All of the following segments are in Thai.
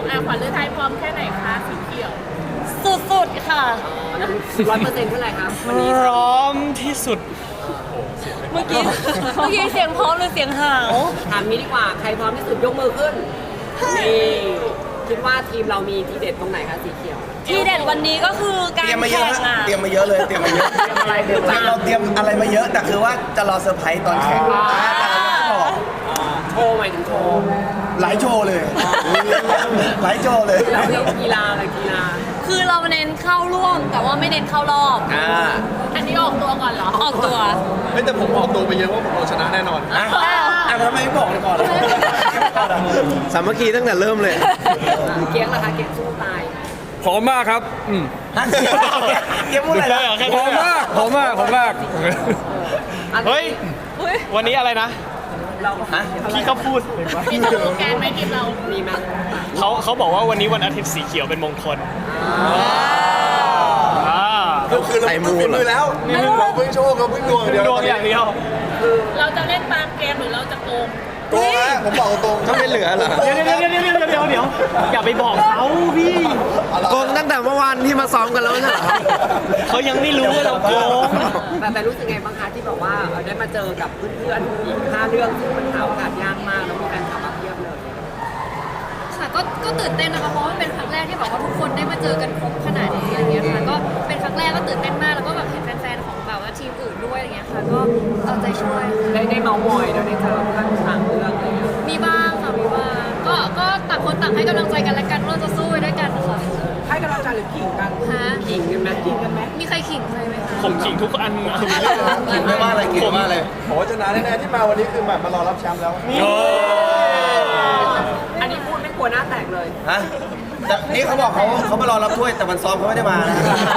ขวัญฤทัยพร้อมแค่ไหนคะสีเขียวสุดๆค่ะ 100%เท่าไหร่ครับวันนี้พร้อมที่สุดเมื่อกี้เสียงพร้อมหรือเสียงหาวถามนี้ดีกว่าใครพร้อมที่สุดยกมือขึ้นนี่คิดว่าทีมเรามีทีเด็ดตรงไหนคะสีเขียวที่เด็ดวันนี้ก็คือการเตรียมมาเยแข่อะงอ่ะเตรียมมาเยอะเลยเตรียมมาเยอะเราเตรียมอะไรมาเยอะแต่คือว่าจะรอเซอร์ไพรส์ตอนแข่งบอกโชว์หมายถึงโชว์หลายโชว์เลยหลายโชว์เลยแล้วเรื่องกีฬาอะไรกีฬาคือเราเน้นเข้าร่วม แต่ว่าไม่เน้นเข้ารอบอันนี้ออกตัวก่อนเหรอออกตัวไม่แต่ผมออกตัวไปเยอะว่าผมเอาชนะแน่นอนทำไมไม่บอกเลยก่อนสามัคคีตั้งแต่เริ่มเลยเกียงนะคะเกียงสู้ตายพร้อมมากครับเกมพูดอะไรนะพร้อมมากพร้อมมากพร้อมมากเฮ้ย วันนี้อะไรนะเราฮะพี่ก็พูดมีสโลแกนไหมทีมเรามีไหมเขาบอกว่าวันนี้วันอาทิตย์สีเขียวเป็นมงคลอ่าคือเราเพิ่งฝีมือแล้วเราเพิ่งโชว์เราเพิ่งดวงเดียวดวงอย่างเดียวเราจะเล่นตามเกมหรือเราจะโกงโกงนะผมบอกตรงก็ไม่เหลือเหรอเดี๋ยวอย่าไปบอกเขาพี่โกงตั้งแต่เมื่อวานที่มาซ้อมกันแล้วใช่ไหมครับเขายังไม่รู้ว่าเราโกงแต่รู้สึกไงบ้างคะที่บอกว่าได้มาเจอกับเพื่อนๆอีก5เรื่องซึ่งมันหาโอกาสยากมากแล้วมีการขับมาเพียบเลยค่ะก็ตื่นเต้นนะคะเพราะว่าเป็นครั้งแรกที่แบบว่าทุกคนได้มาเจอกันครบขนาดนี้อะไรเงี้ยค่ะก็เป็นครั้งแรกก็ตื่นเต้นมากแล้วก็แบบเห็นแฟนๆของแบบว่าทีมอื่นด้วยอะไรเงี้ยค่ะก็เอาใจช่วยได้เมาส์มอยแล้วได้เจอเพื่อนต่างเรื่องอะไรเงี้ยมีบ้างค่ะมีบ้างก็ต่างคนต่างให้กำลังใจกันและกันว่าเราจะสู้ไปด้วยกันค่ะให้กำลังใจหรือขิงกันฮะขิงกันไหมขิงกันไหมมีใครขิงใครไหมคะผมขิงทุกอันกินไม่ว่าอะไรกินไม่ว่าอะไรผมว่าชนะแน่ๆที่มาวันนี้คือแบบมารอรับแชมป์แล้วอันนี้พูดไม่กลัวหน้าแตกเลยฮะแต่นี่เขาบอกเขามารอรับถ้วยแต่วันซ้อมเขาไม่ได้มานะ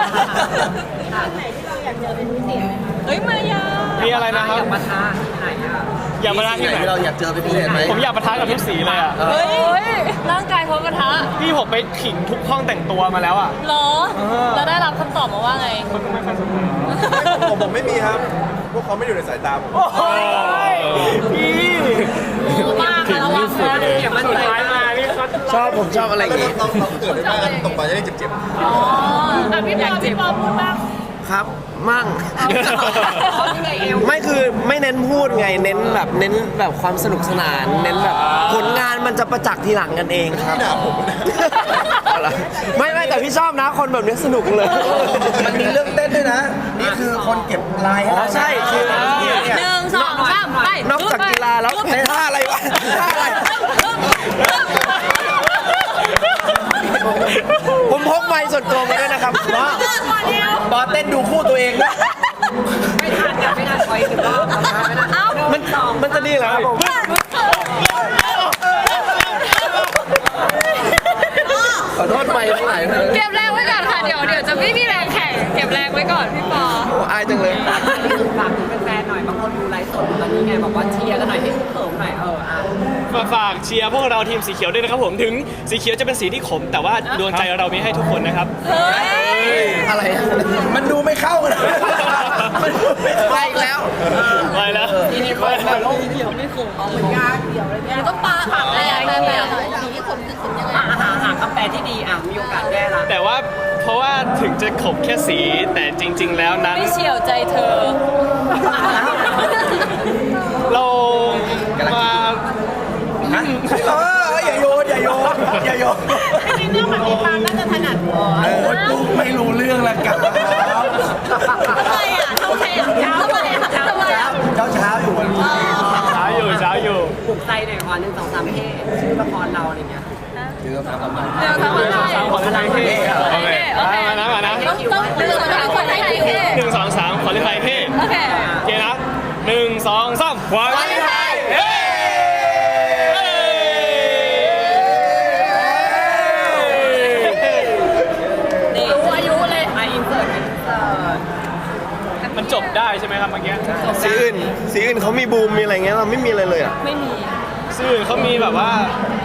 เฮ้ยมายามีอะไรนะครับอยากมาท้าที่ไหนอ่ะอย่ามาท้าที่ไหนที่เราอยากเจอเป็นพิเศษไหมผมอยากปะทะกับทุกสีเลยอ่ะเฮ้ยร่างกายพร้อมกระทะพี่ผมไปขิงทุกห้องแต่งตัวมาแล้วอ่ะเหรอแล้วได้รับคำตอบมาว่าไงผมไม่มีครับ พวกเขาไม่อยู่ในสายตาผมโอ้ยพี่มากระวังนะอย่ามั่นใจมานี่เขาชอบผมชอบอะไรอย่างงี้ต้องเกิดได้ไหมตกไปจะได้เจ็บอ่ะพี่ปอพูดบ้างครับ มั่งเขาที่ไงเอวไม่คือไม่เน้นพูดไง เน้นแบบความสนุกสนาน เน้นแบบผลงานมันจะประจักษ์ทีหลังกันเองครับๆด่าผมนะเอาล่ะไม่แต่พี่ชอบนะคนแบบนี้สนุกเลยมันมีเรื่องเต้นด้วยนะ นี่คือคนเก็บลายอ๋อใช่คือหนึ่งสองสามไปนอกจากกีฬาแล้วในท่าอะไรวะท่าอะไร ผมพกไมค์ส่วนตัวมาด้วยนะครับว่าบอสเต้นดูคู่ตัวเองนะไม่ทันไม่ทันคอยถึงรอบไม่ทันมันจะดีเหรอครับผม ขอโทษไมค์ทั้งหลายเลยเก็บแรงไว้ก่อนค่ะเดี๋ยวจะไม่มีแรงแข่งเก็บแรงไว้ก่อนพี่ปอโอ้อายจังเลยฝากถึงแฟนๆหน่อยบางคนดูไลฟ์สดตอนนี้ไงบอกว่าเชียร์กันหน่อยให้เขิมหน่อยฝากเชียร์พวกเราทีมสีเขียวด้วยนะครับผมถึงสีเขียวจะเป็นสีที่ขม แต่ว่าดวงใจเรามีให้ทุกคนนะครับอะไรอะมันดูไม่เข้ากันเลยมันดูไม่เข้าไปอีกแล้วไปแล้วทีนี้คนแบบโลกเดียวไม่คุ้มเอาเหมือนยากเดียวเลยเนี่ยต้องปาผักอะไรอย่างเงี้ยหาคำแปลที่ดีมีโอกาสแก้ละแต่ว่าเพราะว่าถึงจะขมแค่สีแต่จริง ๆ แล้วนั้นไม่เฉียวใจเธอเรามาฮะอย่าโยนอย่าโยนอย่าโยนจริงๆเรื่องแบบนี้ปาล์มน่าจะถนัดกว่าโอ้ยกูไม่รู้เรื่องละกันทำไมอ่ะทำไมอ่ะทำไมอ่ะทำไมอ่ะเช้าอยู่วันนี้เช้าอยู่ปลุกใจหน่อยค่ะ1 2 3เท่ชื่อละครเราอะไรเงี้ยเดี๋ยวทำอะไรสามคนอะไรเท่โอเคมานะต้องเลือกหาคนให้ดีหนึ่งสองสามขอเล่นไทยเท่โอเคโอเคนะหนึ่งสองสามขวาเล่นไทยเฮ้รู้อายุเลยอินเสิร์ตมันจบได้ใช่ไหมครับเมื่อกี้สีอื่นเขามีบูมมีอะไรเงี้ยเราไม่มีอะไรเลยอ่ะไม่มีซึ่งเขามีแบบว่า